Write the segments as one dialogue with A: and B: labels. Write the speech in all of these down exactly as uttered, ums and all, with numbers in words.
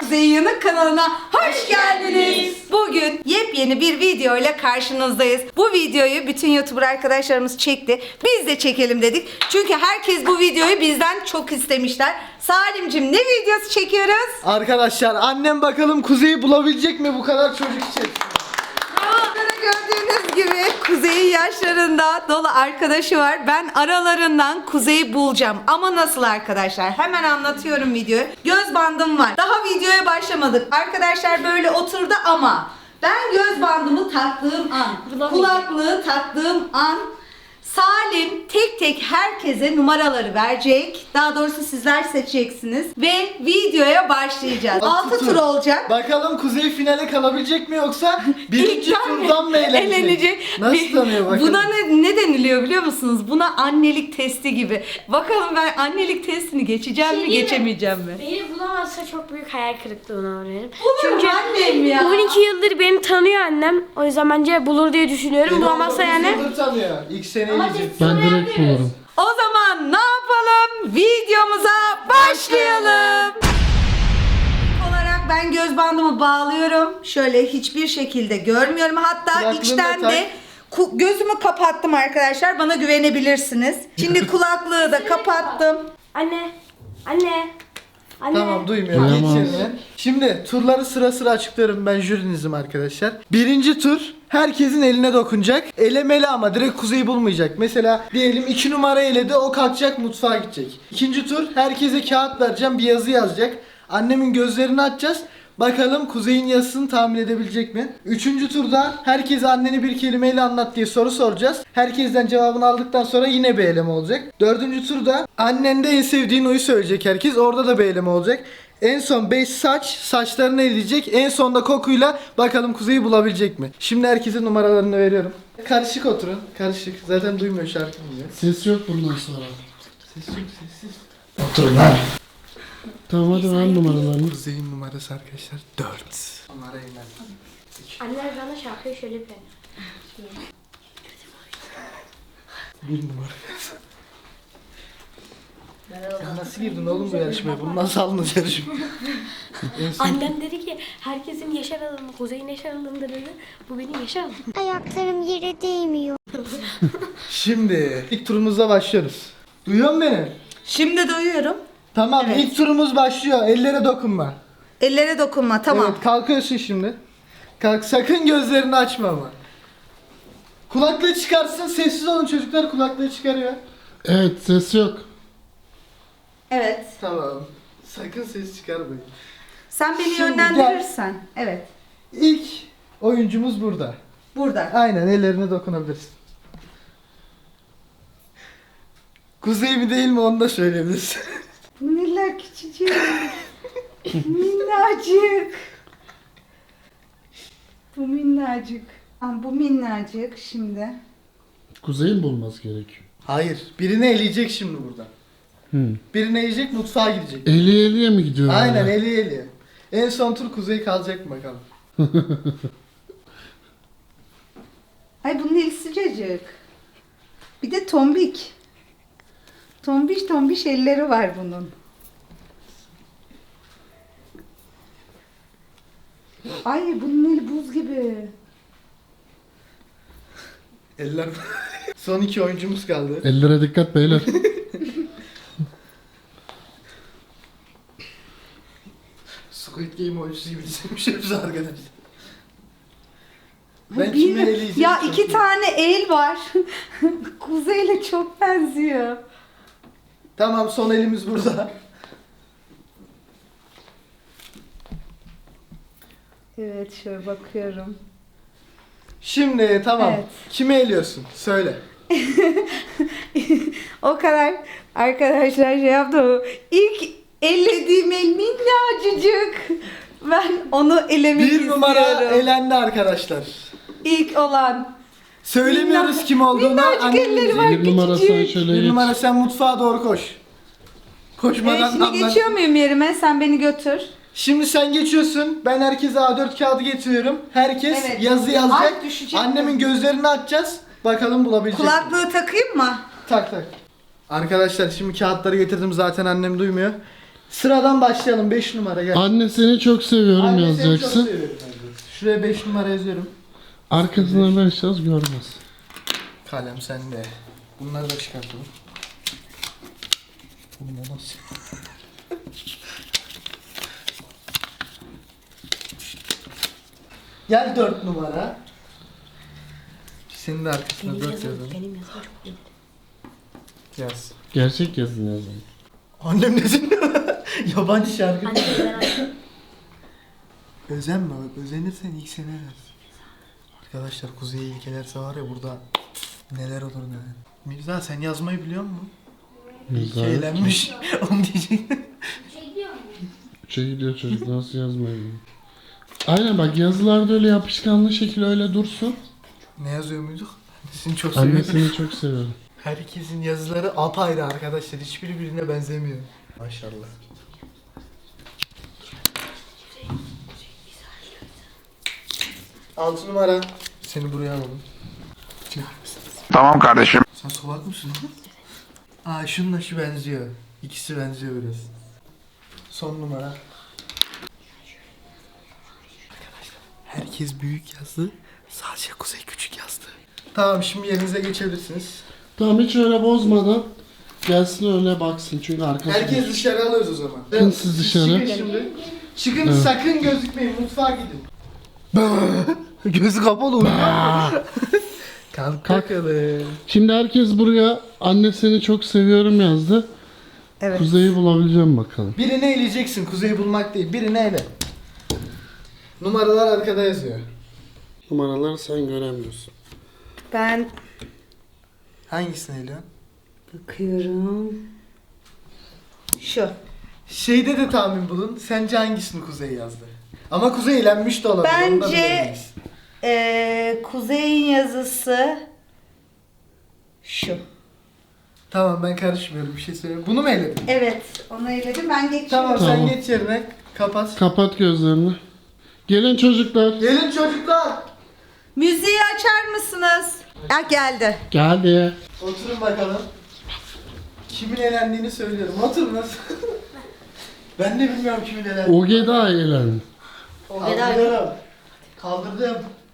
A: Kuzey Yanık kanalına hoş geldiniz. Bugün yepyeni bir video ile karşınızdayız. Bu videoyu bütün YouTuber arkadaşlarımız çekti. Biz de çekelim dedik. Çünkü herkes bu videoyu bizden çok istemişler. Salimcim, ne videosu çekiyoruz?
B: Arkadaşlar annem bakalım Kuzey'i bulabilecek mi bu kadar çocuk için?
A: Gördüğünüz gibi Kuzey'in yaşlarında dolu arkadaşı var. Ben aralarından Kuzey'i bulacağım. Ama nasıl arkadaşlar? Hemen anlatıyorum videoyu. Göz bandım var. Daha videoya başlamadık. Arkadaşlar böyle oturdu ama ben göz bandımı taktığım an, kulaklığı taktığım an Salim tek tek herkese numaraları verecek. Daha doğrusu sizler seçeceksiniz. Ve videoya başlayacağız. altı tur olacak.
B: Bakalım Kuzey finale kalabilecek mi yoksa birinci
A: İlkten
B: turdan mı eğlenecek?
A: eğlenecek?
B: Nasıl
A: Bir-
B: tanıyor bakalım?
A: Buna ne, ne deniliyor biliyor musunuz? Buna annelik testi gibi. Bakalım ben annelik testini geçeceğim
C: Şey
A: mi
C: değil mi?
A: geçemeyeceğim mi?
C: Beni bulamazsa çok büyük hayal kırıklığına uğrarım.
A: Bulur annem ya.
C: on iki yıldır beni tanıyor annem. O yüzden bence bulur diye düşünüyorum.
B: Beni
C: Bulamazsa
B: on dokuz
C: yani.
B: yıldır tanıyor. İlk sene gidecek.
D: Ben direkt bulurum.
A: O zaman ne yapalım? Videomuza başlayalım. İlk olarak ben göz bandımı bağlıyorum. Şöyle hiçbir şekilde görmüyorum. Hatta
B: Kulaklığını
A: içten
B: tak.
A: de ku- gözümü kapattım arkadaşlar. Bana güvenebilirsiniz. Şimdi kulaklığı da kapattım.
C: Anne. Anne. Anne.
B: Tamam duymuyorum. Geç
D: Duyamaz.
B: yerine. Şimdi turları sıra sıra açıklıyorum, ben jürinizim arkadaşlar. Birinci tur herkesin eline dokunacak. Elemeli ama direkt Kuzey'i bulmayacak. Mesela diyelim iki numara eledi, o kalkacak mutfağa gidecek. İkinci tur herkese kağıt vereceğim, bir yazı yazacak. Annemin gözlerini açacağız. Bakalım Kuzey'in yazısını tahmin edebilecek mi? Üçüncü turda herkese anneni bir kelimeyle anlat diye soru soracağız. Herkesten cevabını aldıktan sonra yine bir eleme olacak. Dördüncü turda annende en sevdiğin oyu söyleyecek herkes. Orada da bir eleme olacak. En son beş saç, saçlarını eleyecek. En sonda kokuyla bakalım Kuzey'i bulabilecek mi? Şimdi herkesin numaralarını veriyorum. Karışık oturun. Karışık. Zaten duymuyor, şarkı dinliyor.
D: Ses yok bundan sonra.
B: Ses yok, sessiz.
D: Oturun ha. Tamam hadi ver numaralarını.
B: Kuzey'in numarası arkadaşlar dört. Numara iner.
C: Anne bana şarkıyı şöyle bir.
B: Bir numara. Sen nasıl girdin oğlum bu yarışmaya? Bunu nasıl aldınız yarışmaya? En son-
C: Annem dedi ki herkesin yaşar alanı, Kuzey'in yaşar alanı dedi. Bu benim yaşar alanım.
E: Ayaklarım yere değmiyor.
B: Şimdi ilk turumuzla başlıyoruz. Duyuyor musun beni?
A: Şimdi duyuyorum.
B: Tamam,
A: Evet.
B: ilk turumuz başlıyor. Ellere dokunma.
A: Ellere dokunma, tamam.
B: Evet, kalkıyorsun şimdi. Kalk, sakın gözlerini açma ama. Kulaklığı çıkarsın, sessiz olun çocuklar, kulaklığı çıkarıyor.
D: Evet ses yok.
A: Evet.
B: Tamam. Sakın ses çıkarmayın.
A: Sen beni
B: Şimdi
A: yönlendirirsen. Evet.
B: İlk oyuncumuz burada.
A: Burada.
B: Aynen, ellerine dokunabilirsin. Kuzey mi değil mi onu da söyleyebilirsin.
A: Bu neler küçücük. Minnacık. Bu minnacık. Aa, bu minnacık şimdi.
D: Kuzey'in bulması gerekiyor.
B: Hayır, birini eleyecek şimdi burada.
D: Hı.
B: Birini eleyecek, mutfağa gidecek.
D: Eli eliye mi gidiyor?
B: Aynen,
D: hala?
B: eli eli. En son tur Kuzey kalacak mı bakalım.
A: Ay bunun eli sıcacık. Bir de tombik. Tombiş tombiş elleri var bunun. Ay bunun eli buz gibi.
B: Eller. Son iki oyuncumuz kaldı.
D: Ellere dikkat beyler.
B: Squid Game oyuncusu gibi dizilmişiz arkadaşlar. Ben
A: Bir-
B: kimi eleyeceğim?
A: ya
B: çok
A: iki
B: iyi.
A: tane el var. Kuzeyle çok benziyor.
B: Tamam, son elimiz burada.
A: Evet şöyle bakıyorum.
B: Şimdi tamam.
A: Evet.
B: Kimi eliyorsun? Söyle.
A: O kadar arkadaşlar şey yaptı. İlk ellediğim el minnacıcık. Ben onu elemek
B: Bir numara
A: istiyorum.
B: elendi arkadaşlar.
A: İlk olan.
B: Söylemiyoruz
A: Minna-
B: kim olduğunu.
A: minnacık
B: annem
A: elleri
B: bilecek.
A: var.
D: Bir numara sen
A: küçücük.
D: şöyle
B: Bir
D: geç.
B: numara sen mutfağa doğru koş.
A: Evet,
B: Koşmadan
A: şimdi
B: anlat.
A: geçiyor muyum yerime? Sen beni götür.
B: Şimdi sen geçiyorsun. Ben herkese A dört kağıdı getiriyorum. Herkes
A: Evet.
B: yazı yazacak.
A: Ay, düşecek.
B: Annemin gözlerini açacağız. Bakalım bulabilecek mi?
A: Kulaklığı takayım mı?
B: Tak tak. Arkadaşlar şimdi kağıtları getirdim, zaten annem duymuyor. Sıradan başlayalım. beş numara gel.
D: Anne seni çok seviyorum
B: Anne seni çok
D: yazacaksın.
B: seviyorum yazacaksın. Şuraya beş numara yazıyorum.
D: Arkasına ne yazacağız görmez.
B: Kalem sende. Bunları da çıkartalım. Oğlum o nasıl? Gel dört numara. Senin de arkasına
C: Benim
B: dört
C: yazım,
B: yazalım.
C: benim yazım çok iyi.
B: Yaz.
D: Gerçek yazın yazın.
B: Annem ne dinliyor? Yabancı şarkı.
C: Anne ben anne.
B: Özenme bak, özenirsen ilk sene yaz. Arkadaşlar Kuzey'e ilkelerse var ya burada neler olur neler. Mirza sen yazmayı biliyor musun? İlke eğlenmiş. Onu diyecektim.
D: Üçe gidiyor çocuk nasıl yazmayı bilmiyor. Aynen bak yazılarda öyle yapışkanlı şekilde öyle dursun.
B: Ne yazıyor muyduk? Annesini çok
D: Anne
B: seviyorum.
D: seni çok seviyorum.
B: Herkesin yazıları apayrı arkadaşlar. Hiçbiri birbirine benzemiyor. Maşallah. Altı numara. Seni buraya alalım.
F: Tamam kardeşim.
B: Sen solak mısın? Aa şununla şu benziyor. İkisi benziyor biraz. Son numara. Arkadaşlar herkes büyük yazdı. Sadece Kuzey küçük yazdı. Tamam şimdi yerinize geçebilirsiniz.
D: Tamam hiç öyle bozmadan gelsin öyle baksın çünkü arkası
B: Herkes
D: boş.
B: dışarı alıyoruz o zaman.
D: Çıkın siz dışarı.
B: Çıkın şimdi. Çıkın
D: Evet.
B: sakın gözükmeyin mutfağa gidin. Gözü kapalı uyuyor. Kalk
D: Kalk.
B: bakalım.
D: Şimdi herkes buraya anne seni çok seviyorum yazdı.
A: Evet.
D: Kuzey'i bulabileceğim bakalım.
B: Birini eleyeceksin. Kuzeyi bulmak değil. Birini ele. Numaralar arkada yazıyor.
D: Numaraları sen göremiyorsun.
A: Ben
B: Hangisini eliyorsun?
A: bakıyorum. Şu.
B: Şeyde de tahmin bulun. Sence hangisini Kuzey yazdı? Ama Kuzey eğlenmiş de olabilir. onu da
A: Bence
B: bilemeyiz.
A: eee Kuzey'in yazısı şu.
B: Tamam ben karışmıyorum. Bir şey söyleyeyim. Bunu mu eledin?
A: Evet, onu eledim. Ben geçiyorum.
B: Tamam,
D: Tamam.
B: sen geç yerine. Kapat.
D: Kapat gözlerini. Gelin çocuklar.
B: Gelin çocuklar.
A: Müziği açar mısınız? Ya geldi.
D: Geldi.
B: Oturun bakalım. Kimin elendiğini söylüyorum. Oturunuz. Ben de bilmiyorum kimin elendiğini.
D: Ogeda eğlendi.
B: Kaldırıyorum. Kaldırdım.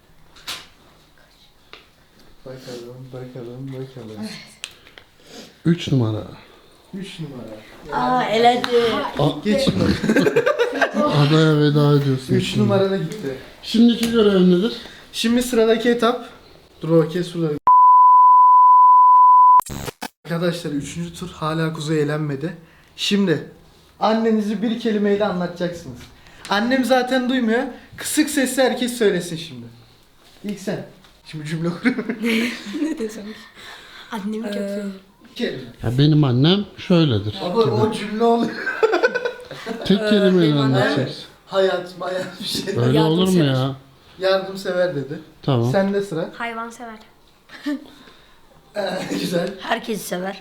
B: Bakalım, bakalım, bakalım.
D: Üç numara.
B: Üç numara.
C: Aa elendi.
B: Geçin bakalım.
D: Adaya veda ediyorsun.
B: Üç
D: şimdi.
B: numara da gitti.
D: Şimdiki görev nedir?
B: Şimdi sıradaki etap. Dur o kes buraları. Arkadaşlar üçüncü tur hala Kuzey eğlenmedi. Şimdi annenizi bir kelimeyle anlatacaksınız. Annem zaten duymuyor. Kısık sesle herkes söylesin şimdi. İlk sen. Şimdi cümle kuruyorum.
C: Ne desem? Annemi çok seviyorum.
B: Bir kelime.
D: Ya benim annem şöyledir.
B: Ama o cümle oluyor.
D: Tek kelimeyle anlatacaksın.
B: Hayat, mayat bir şey.
D: Öyle olur mu ya?
B: Yardımsever dedi.
D: Tamam.
B: Sende sıra.
C: Hayvan sever.
B: Ee, güzel.
C: Herkesi sever.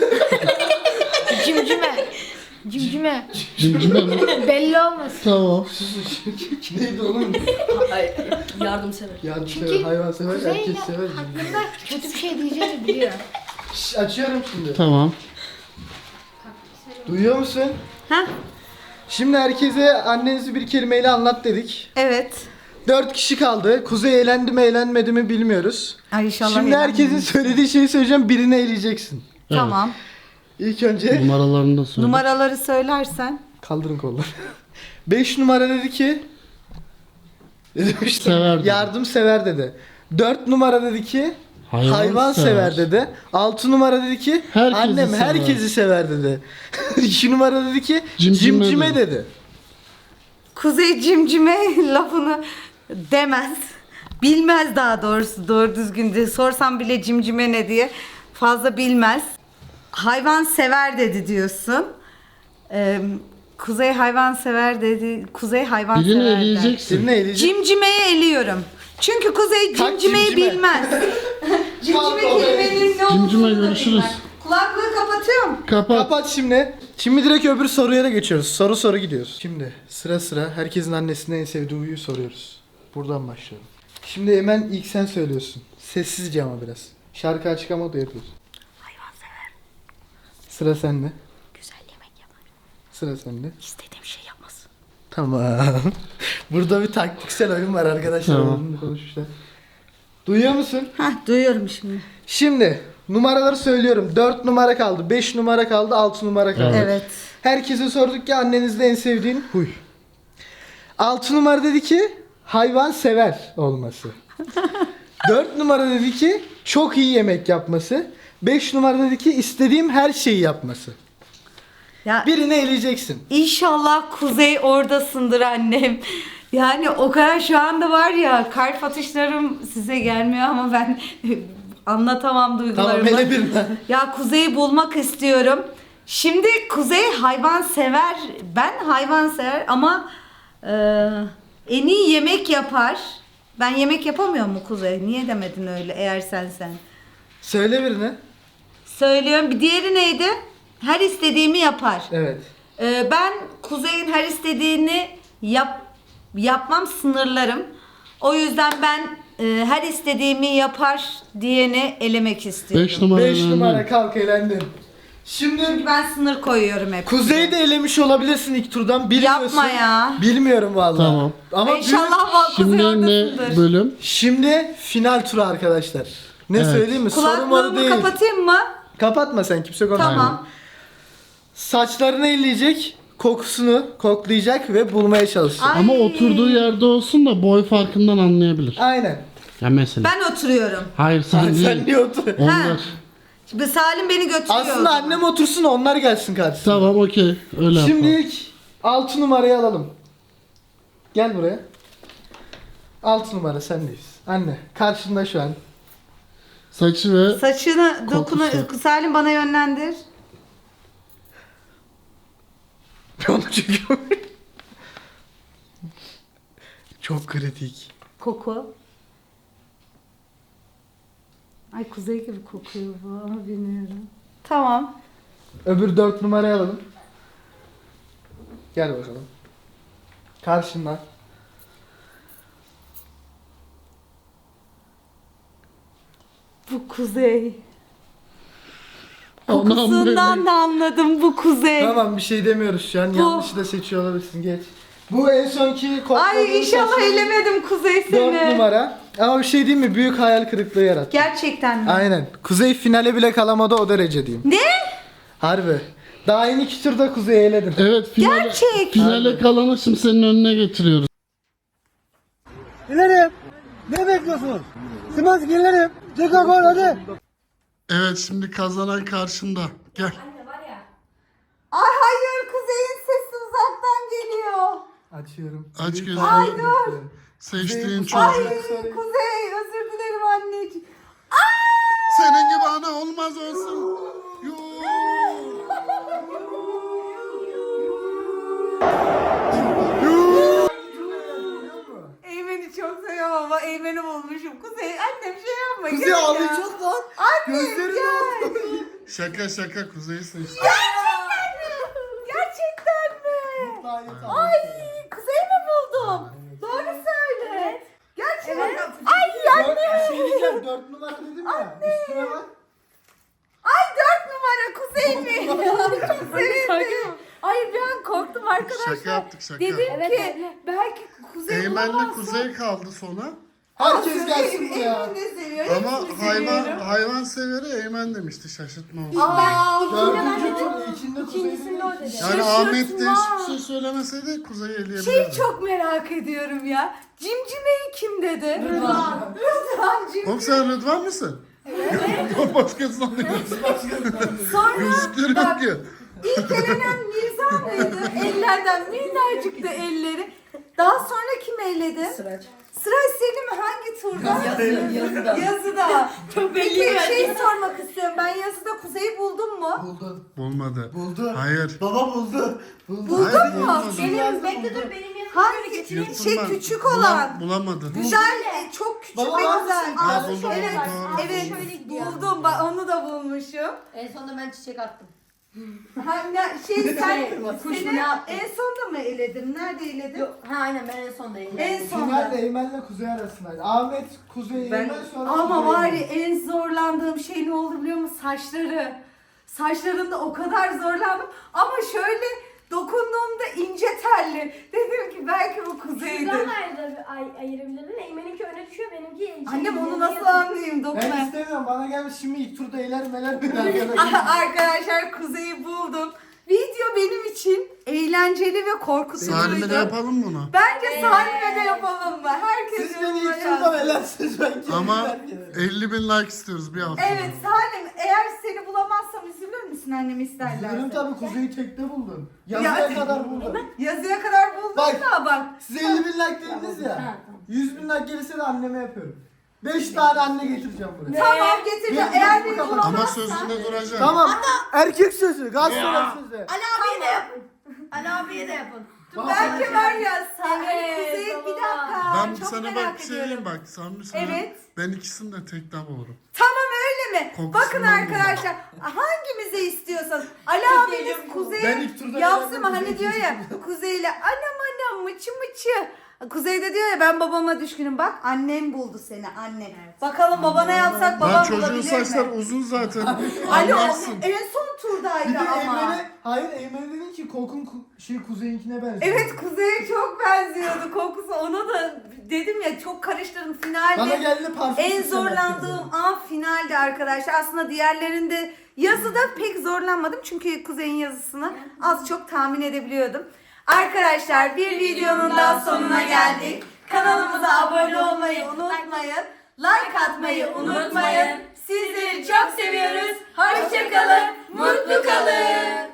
C: Cimcime. Cimcime.
D: Cimcime mi?
C: Belli olmasın.
D: Tamam.
B: Neydi oğlum?
C: Yardım sever.
B: Yardımsever, hayvansever, herkes sever.
C: Hakkında kötü bir şey diyeceğini biliyor.
B: Şş, açıyorum şimdi.
D: Tamam.
B: Duyuyor musun?
A: Ha?
B: Şimdi herkese annenizi bir kelimeyle anlat dedik.
A: Evet.
B: Dört kişi kaldı. Kuzey eğlendi mi eğlenmedi mi bilmiyoruz.
A: Ay inşallah.
B: Şimdi
A: eğlenmem.
B: herkesin söylediği şeyi söyleyeceğim. Birini eleyeceksin.
A: Tamam.
B: İlk önce
D: Numaralarını da söyle.
A: Numaraları söylersen.
B: kaldırın kolları. Beş numara dedi ki ne demiştim?
D: Sever dedi.
B: Yardımsever dedi. Dört numara dedi ki
D: Hayvan
B: hayvan, sever.
D: sever.
B: dedi. Altı numara dedi ki
D: Herkesi
B: annem
D: sever.
B: herkesi sever dedi. İki numara dedi ki
D: Cimcime
B: cimcime,
D: dedi.
B: dedi.
A: Kuzey cimcime lafını demez. Bilmez daha doğrusu doğru düzgün de sorsam bile cimcime ne diye fazla bilmez. Hayvan sever dedi diyorsun. Ee, Kuzey hayvan sever dedi. Kuzey hayvan
D: Birini
A: sever der.
D: eleyeceksin.
B: Birini eleyecek.
A: Cimcimeyi eliyorum. Çünkü Kuzey
B: Kalk
A: cimcimeyi
B: cimcime.
A: bilmez. Cimcime
B: Kalk oraya.
A: kelimenin ne
D: Cimcime
A: olduğunu da
D: görüşürüz.
A: bilmez. Kulaklığı kapatıyorum.
D: Kapat.
B: Kapat şimdi. Şimdi direkt öbür soruya da geçiyoruz. Soru soru gidiyoruz. Şimdi sıra sıra herkesin annesinin en sevdiği huyu soruyoruz. Buradan başlayalım. Şimdi hemen ilk sen söylüyorsun. Sessizce ama biraz. Şarkı açık ama da yapıyorsun.
C: Hayvan sever.
B: Sıra sende.
C: Güzel yemek yapar.
B: Sıra sende.
C: İstediğim şey yapmasın.
B: Tamam. Burada bir taktiksel oyun var arkadaşlar.
D: Tamam.
B: Bunu konuşmuşlar. Duyuyor musun?
A: Hah duyuyorum şimdi.
B: Şimdi numaraları söylüyorum. dört numara kaldı, beş numara kaldı, altı numara kaldı.
D: Evet.
A: Evet.
B: Herkese sorduk ki annenizde en sevdiğin huy. altı numara dedi ki hayvan sever olması. dört numara dedi ki çok iyi yemek yapması. beş numara dedi ki istediğim her şeyi yapması.
A: Ya
B: Birini eleyeceksin.
A: İnşallah Kuzey oradasındır annem. Yani o kadar şu anda var ya kalp atışlarım size gelmiyor ama ben anlatamam duygularımı.
B: Tamam, ele birine.
A: Ya Kuzey'i bulmak istiyorum. Şimdi Kuzey hayvan sever. Ben hayvan sever ama e, en iyi yemek yapar. Ben yemek yapamıyor mu Kuzey? Niye demedin öyle eğer sen sen?
B: Söyle birine.
A: Söylüyorum. Bir diğeri neydi? Her istediğimi yapar.
B: Evet.
A: Ee, ben Kuzey'in her istediğini yap yapmam, sınırlarım. O yüzden ben e, her istediğimi yapar diyeni elemek istiyorum.
D: beş numara.
B: beş
D: önemli.
B: numara kalk elendin. Şimdi
A: Çünkü ben sınır koyuyorum hep.
B: Kuzey'i de elemiş olabilirsin ilk turdan. Bilmiyorsun.
A: Yapma ya.
B: Bilmiyorum vallahi.
D: Tamam.
B: Ama büyük-
A: İnşallah va- Kuzey
D: Şimdi ne
A: oradasındır.
D: bölüm?
B: Şimdi final turu arkadaşlar. Ne
D: Evet.
B: söyleyeyim mi? Soru moru
A: Kulaklığımı
B: değil.
A: kapatayım mı?
B: Kapatma sen, kimse konuşmuyor.
A: Tamam.
B: Saçlarını elleyecek, kokusunu koklayacak ve bulmaya çalışacak.
A: Ay.
D: Ama oturduğu yerde olsun da boy farkından anlayabilir.
B: Aynen.
D: Ya mesela.
A: Ben oturuyorum.
D: Hayır sen
B: Sen,
D: değil.
B: sen niye otur?
D: Onlar.
A: Şimdi Salim beni götürüyor.
B: Aslında annem otursun, onlar gelsin karşısına.
D: Tamam okey. Öyle
B: Şimdi
D: yapalım.
B: ilk altı numarayı alalım. Gel buraya. altı numara sendeyiz. Anne karşında şu an.
D: Saçı ve
A: Saçını dokuna
D: Kokusu.
A: Salim bana yönlendir.
B: Onu çekiyorum. Çok kritik.
A: Koku. Ay Kuzey gibi kokuyor bu ama bilmiyorum. Tamam.
B: Öbür dört numarayı alalım. Gel bakalım. Karşında.
A: Bu Kuzey.
D: Anam
A: Kokusundan
D: benim.
A: da anladım bu Kuzey.
B: Tamam, bir şey demiyoruz şu an.
A: Bu-
B: Yanlışı da seçiyor olabilirsin. Geç. Bu en sonki kokladığın
A: Ay inşallah
B: saçların
A: elemedim Kuzey seni.
B: dört numara. Ama bir şey diyeyim mi? Büyük hayal kırıklığı yarattı.
A: Gerçekten mi?
B: Aynen. Kuzey finale bile kalamadı, o derece diyeyim.
A: Ne?
B: Harbi. Daha yeni iki turda Kuzey'i eledim.
D: evet finale,
A: Gerçek.
D: finale kalanı şimdi senin önüne getiriyoruz.
G: İlerim. Ne bekliyorsunuz? Sımans gelirim. Ceka gol hadi.
D: Evet şimdi kazanan karşında. Gel.
A: Ay hayır Kuzey'in sesi uzaktan geliyor.
B: Açıyorum.
D: Aç
B: Büyük
D: gözünü.
B: hayal
A: Ay, dur.
B: kırıklığı.
D: Seçtiğin
B: Kuzey-
D: çocuk.
A: Ay
B: Sorry.
A: Kuzey özür dilerim anneciğim.
D: Senin gibi ana olmaz olsun. Yoo.
A: Eymen'i çok seviyorum ama Eymen'i bulmuşum. Kuzey annem şey yapma.
B: Kuzey
A: gel ya.
B: ağlayacak lan.
A: Annem
B: Gözlerini
A: gel.
D: Şaka şaka Kuzey'i seçti.
A: Gerçekten mi? Ay Kuzey mi buldum? Doğru söyle. Gerçekten. Ay
B: Dört, bir şey diyeceğim. Dört numara dedim ya. Üstüne bak.
A: Ay dört numara Kuzey mi? Çok sevindim. Ay bir an korktum arkadaşlar.
D: Şaka yaptık şaka.
A: Dedim
C: Evet,
A: ki
C: evet.
A: belki Kuzey
D: Eymen'le
A: bulamazsa-
D: Kuzey kaldı sona.
B: Herkes gelsin buraya.
A: Eymen de seviyor.
D: Ama
A: hepsini
D: hayvan
A: seviyorum.
D: hayvan severi Eymen demişti, şaşırtma olsun.
A: Aa,
B: Dördüncü tur ilkinde Kuzey'i
C: İkincisinde o dedi.
D: Yani
A: şaşırtma.
D: Ahmet de hiçbir şey söylemeseydi Kuzey'i eleyebilirdi.
A: Şeyi çok merak ediyorum ya. Cimcimeyi kim dedi? Rıdvan. Rıdvan cim.
D: Oğlum sen Rıdvan mısın? Evet. Başkası sanıyorsun.
A: Sonra
D: Gözlükleri yok
A: bak,
D: ki.
A: ilk elenen Mirza mıydı? Ellerden minnacıktı elleri. Daha sonra kim eledi? Sıraç. Sıraç Selim hangi turda? Yazıda. Yazıda. Çok belli. Şey sormak istiyorum. Ben yazıda Kuzey'i buldum mu?
B: Buldun.
D: Bulmadı.
B: Buldu.
D: Hayır.
B: Baba buldu. Buldu.
A: Buldun
D: Hayır,
A: mu?
D: bulmadı.
C: Benim bekle dur benim yanıma
A: Hangi
C: getireyim.
A: şey
D: Yırtılma.
A: küçük
D: Bulam-
A: olan?
D: Bulamadı.
A: Güzel, e, çok küçük
B: Baba
A: ve
B: var
A: güzel.
B: mısın?
D: Ha,
A: Aa,
D: buldum,
A: evet,
D: buldum,
A: evet,
C: Şöyle gidiyor.
A: buldum. Bak onu da bulmuşum.
C: En sonunda ben çiçek attım.
A: Ha, ne, şey sen,
C: Kuş
A: seni
C: ne yaptı?
A: en sonda mı eledim? Nerede eledim?
C: Yok, ha aynen ben en sondayım.
A: En
B: Final
A: sonda.
B: Eymen'le Kuzey arasındaydı. Ahmet Kuzey
A: Ben,
B: Eymen sonra
A: ama
B: Kuzey
A: var ya
B: Eymen.
A: en zorlandığım şey ne oldu biliyor musun? Saçları. Saçlarında o kadar zorlandım. Ama şöyle Dokunduğumda ince telli. Dedim ki belki bu Kuzey'dir.
C: Şuradan da ayır, ay, ayırabilirdin. Eymen'inki öne düşüyor, benimki...
A: Annem onu
C: şey,
A: nasıl
C: yatıyor.
A: anlayayım
B: Ben
A: dokuna.
B: istemiyorum. Bana gelmiş şimdi ilk turda eğler meler bir arkadaşlar.
A: Arkadaşlar Kuzey'i buldum. Video benim için eğlenceli ve korkutucuydu.
D: Salim'e de yapalım bunu.
A: Bence Salim'e de yapalım mı? Herkes
B: Siz beni
A: yorumlara
B: ilk turda
A: yazsın.
B: melersiniz ben kendim
D: Ama
B: meler
D: elli bin like istiyoruz bir hafta.
A: Evet Salim, eğer seni bulamazsam üzülür müsün annem isterlerse?
B: Üzülürüm tabii, Kuzey'i tekte buldum. Yazıya
A: Ya-
B: kadar buldum.
A: Yazıya kadar buldum
B: Bak.
A: da bak.
B: Size elli bin like dediniz ya. yüz bin like gelirse de anneme yapıyorum. beş tane anne getireceğim buraya.
A: Tamam getireceğim.
B: Ne?
A: Eğer
B: Ne?
A: beni
B: Ama
D: Ama
A: bulamazsan.
D: sözünde duracak.
B: Tamam. Erkek sözü. Galatasaray sözü.
A: Ali abiye de yapın. Ali abiye de yapın.
B: Bak,
A: Belki var ya sen
C: Evet,
A: Kuzey bir
C: baba.
A: dakika.
D: Ben
A: çok
D: sana
A: merak
D: bak bir şey diyeyim
A: ediyorum.
D: bak. Samimi söyleyeyim.
A: Evet.
D: Ben ikisini de tekten bulurum.
A: Tamam öyle mi?
D: Kokusundan
A: Bakın
D: buldum.
A: arkadaşlar hangimize istiyorsanız Ali abiniz
B: Ben
A: Kuzey'e
B: ilk turda
A: yapsın mı?
B: gelen
A: Hani
B: Kuzey
A: diyor ya Kuzey'le anam anam mıçı mıçı. Kuzey de diyor ya ben babama düşkünüm. Bak annem buldu seni anne. Bakalım babana yapsak babam
D: Lan çocuğun
A: bulabilir
D: saçlar
A: mi?
D: uzun zaten.
A: Ali o
D: Anlarsın.
A: en son
B: Bir
A: turdaydı
B: de
A: ama.
B: Eymen'e, hayır Eymen'e dedin ki kokun ku- şey Kuzey'inkine benziyor.
A: Evet Kuzey'e çok benziyordu kokusu. Ona da dedim ya çok karıştırdım finalde.
B: Bana geldi parfüm
A: En
B: süslemek
A: zorlandığım an finaldi arkadaşlar. Aslında diğerlerinde yazıda pek zorlanmadım. Çünkü Kuzey'in yazısını az çok tahmin edebiliyordum. Arkadaşlar bir videonun daha sonuna geldik. Kanalımıza abone olmayı unutmayın. Like atmayı unutmayın. Sizleri çok seviyoruz. Hoşçakalın. Mutlu kalın.